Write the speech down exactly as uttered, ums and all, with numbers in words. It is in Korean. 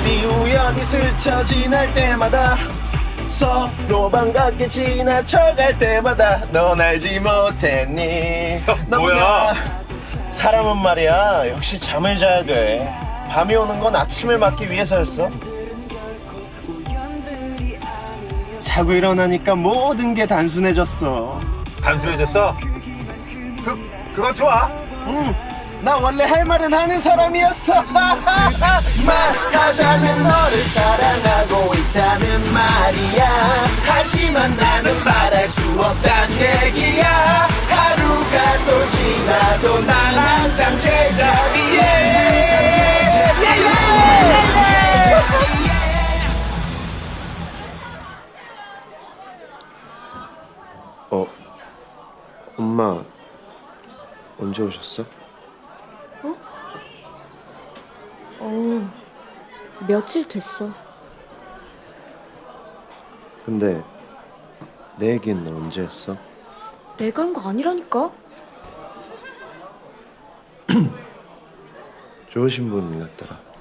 우리 우연히 스쳐 지날 때마다 서로 반갑게 지나쳐갈 때마다 넌 알지 못했니. 뭐야? 사람은 말이야 역시 잠을 자야 돼. 밤이 오는 건 아침을 맞기 위해서였어. 자고 일어나니까 모든 게 단순해졌어. 단순해졌어? 그, 그건 좋아. 응, 나 원래 할 말은 하는 사람이었어. 말하자면 너를 사랑하고 있다는 말이야. 하지만 나는 말할 수 없단 얘기야. 하루가 또 지나도 난 항상 제자리에. 어, 엄마 언제 오셨어? 어, 며칠 됐어. 근데 내 얘기는 언제 했어? 내가 한 거 아니라니까? 좋으신 분 같더라.